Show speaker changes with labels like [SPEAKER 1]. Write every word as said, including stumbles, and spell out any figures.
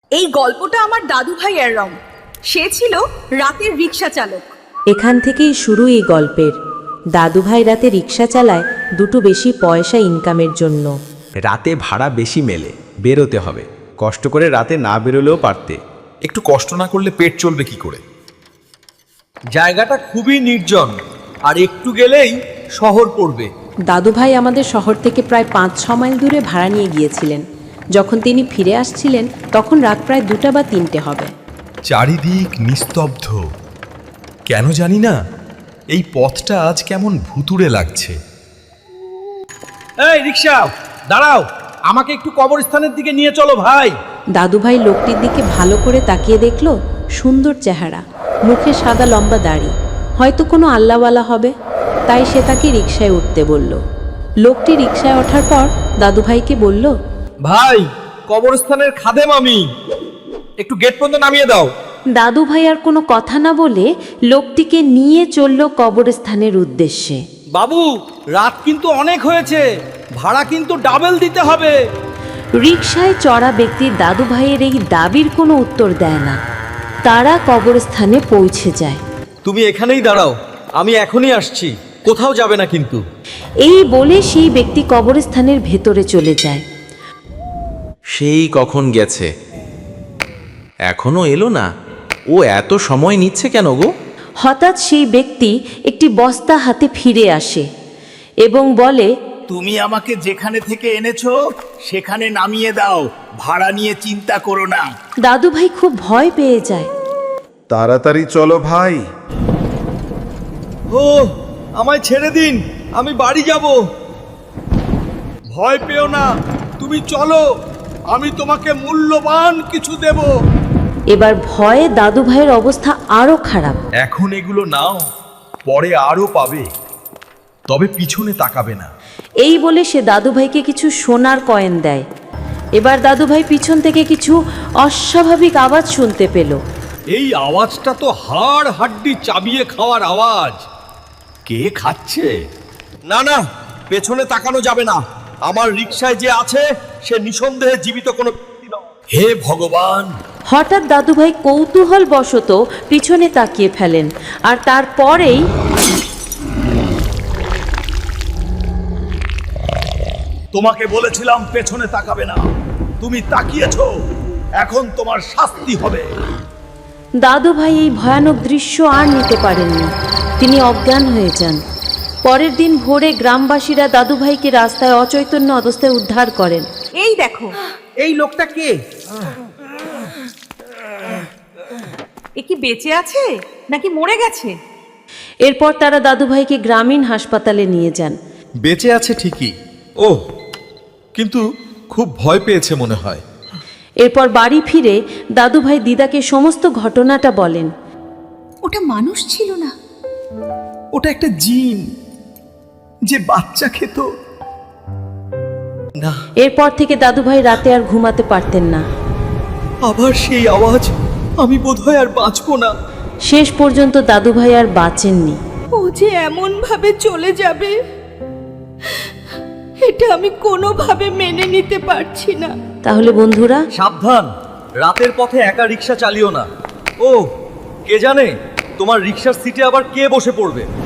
[SPEAKER 1] এই গল্পটা আমার দাদু ভাইয়ের রং। সে ছিল রাতের রিক্সা চালক।
[SPEAKER 2] এখান থেকেই শুরু এই গল্পের। দাদু ভাই রাতে রিক্সা চালায় দুটো বেশি পয়সা ইনকামের জন্য।
[SPEAKER 3] রাতে ভাড়া বেশি মেলে, বেরোতে হবে। কষ্ট করে রাতে না বেরোলেও পারতে।
[SPEAKER 4] একটু কষ্ট না করলে পেট চলবে কি করে?
[SPEAKER 5] জায়গাটা খুবই নির্জন, আর একটু গেলেই শহর পড়বে।
[SPEAKER 2] দাদু ভাই আমাদের শহর থেকে প্রায় পাঁচ ছ মাইল দূরে ভাড়া নিয়ে গিয়েছিলেন। যখন তিনি ফিরে আসছিলেন তখন রাত প্রায় দুটা বা তিনটে হবে।
[SPEAKER 4] চারিদিক নিস্তব্ধ। কেন জানি না, এই পথটা আজ কেমন ভুতুড়ে লাগছে।
[SPEAKER 5] এই রিক্সা, দাঁড়াও, আমাকে একটু কবরস্থানের দিকে নিয়ে চলো ভাই।
[SPEAKER 2] দাদু ভাই লোকটির দিকে ভালো করে তাকিয়ে দেখল, সুন্দর চেহারা, মুখে সাদা লম্বা দাড়ি, হয়তো কোনো আল্লাহওয়ালা হবে। তাই সে তাকে রিকশায় উঠতে বলল। লোকটি রিকশায় ওঠার পর দাদু ভাইকে বলল,
[SPEAKER 5] ভাই, কবরস্থানের খাদেম আমি, একটু গেট পর্যন্ত নামিয়ে দাও।
[SPEAKER 2] দাদু ভাই আর কোনো কথা না বলে লোকটিকে নিয়ে চলল কবরস্থানের উদ্দেশ্যে।
[SPEAKER 5] বাবু, রাত কিন্তু অনেক হয়েছে, ভাড়া কিন্তু ডাবল দিতে হবে।
[SPEAKER 2] রিকশায় চড়া ব্যক্তি দাদু ভাইয়ের এই দাবির কোনো উত্তর দেয় না। তারা কবরস্থানে পৌঁছে যায়।
[SPEAKER 5] তুমি এখানেই দাঁড়াও, আমি এখনই আসছি, কোথাও যাবে না কিন্তু।
[SPEAKER 2] এই বলে সেই ব্যক্তি কবরস্থানের ভেতরে চলে যায়।
[SPEAKER 3] সেই কখন গেছে, এখনো এলো না। ও এত সময় নিচ্ছে কেন গো?
[SPEAKER 2] হঠাৎ সেই ব্যক্তি একটি বস্তা হাতে ফিরে আসে এবং বলে,
[SPEAKER 6] তুমি আমাকে যেখানে থেকে এনেছো সেখানে নামিয়ে দাও, ভাড়া নিয়ে চিন্তা করো না।
[SPEAKER 2] দাদু ভাই খুব ভয় পেয়ে যায়।
[SPEAKER 7] তাড়াতাড়ি চলো ভাই।
[SPEAKER 5] ও, আমায় ছেড়ে দিন, আমি বাড়ি যাব। ভয় পেও না, তুমি চলো, আমি তোমাকে মূল্যবান কিছু দেব।
[SPEAKER 2] এবার ভয়ে দাদু ভাইয়ের অবস্থা আরো খারাপ।
[SPEAKER 4] এখন এগুলো নাও, পরে আরো পাবে, তবে পিছনে তাকাবে না।
[SPEAKER 2] এই বলে সে দাদু ভাইকে কিছু সোনার কয়েন দেয়। এবার দাদু ভাই পিছন থেকে কিছু অস্বাভাবিক আওয়াজ শুনতে পেল।
[SPEAKER 5] এই আওয়াজটা তো হাড় হাড্ডি চাবিয়ে খাওয়ার আওয়াজ।
[SPEAKER 6] কে খাচ্ছে?
[SPEAKER 5] না না, পেছনে তাকানো যাবে না। আমার রিকশায় যে আছে সে নিঃসন্দেহে জীবিত কোনো ব্যক্তি নয়।
[SPEAKER 6] হে ভগবান!
[SPEAKER 2] হঠাৎ দাদু ভাই কৌতূহল বশত পিছনে তাকিয়ে ফেলেন, আর তারপরেই
[SPEAKER 6] তোমাকে বলেছিলাম পেছনে তাকাবে না, তুমি তাকিয়েছো, এখন তোমার শাস্তি হবে।
[SPEAKER 2] দাদু ভাই এই ভয়ানক দৃশ্য আর নিতে পারেননি। তিনি অজ্ঞান হয়ে যান। পরের দিন ভোরে গ্রামবাসীরা দাদু ভাইকে রাস্তায় অচৈতন্য অবস্থায় উদ্ধার করেন।
[SPEAKER 1] এই দেখো,
[SPEAKER 5] এই লোকটা কে?
[SPEAKER 1] এ কি বেঁচে আছে নাকি মরে গেছে?
[SPEAKER 2] এরপর তারা দাদু ভাইকে গ্রামীণ হাসপাতালে নিয়ে যান।
[SPEAKER 4] বেঁচে আছে ঠিকই, ও কিন্তু খুব ভয় পেয়েছে মনে হয়।
[SPEAKER 2] এরপর বাড়ি ফিরে দাদু ভাই দিদাকে সমস্ত ঘটনাটা বলেন।
[SPEAKER 6] ওটা মানুষ ছিল না, ওটা একটা জিন যে বাচ্চা খেত।
[SPEAKER 5] না,
[SPEAKER 2] এরপর থেকে দাদু ভাই রাতে আর ঘুমাতে পারতেন না।
[SPEAKER 5] আবার সেই আওয়াজ, আমি বোধহয় আর বাঁচবো না।
[SPEAKER 2] শেষ পর্যন্ত দাদু ভাই আর বাঁচেননি।
[SPEAKER 1] ও যে এমন ভাবে চলে যাবে, এটা আমি কোনোভাবে মেনে নিতে পারছি না।
[SPEAKER 2] তাহলে বন্ধুরা,
[SPEAKER 5] সাবধান, রাতের পথে একা রিক্সা চালিও না। ও, কে জানে তোমার রিক্সার সিটে আবার কে বসে পড়বে।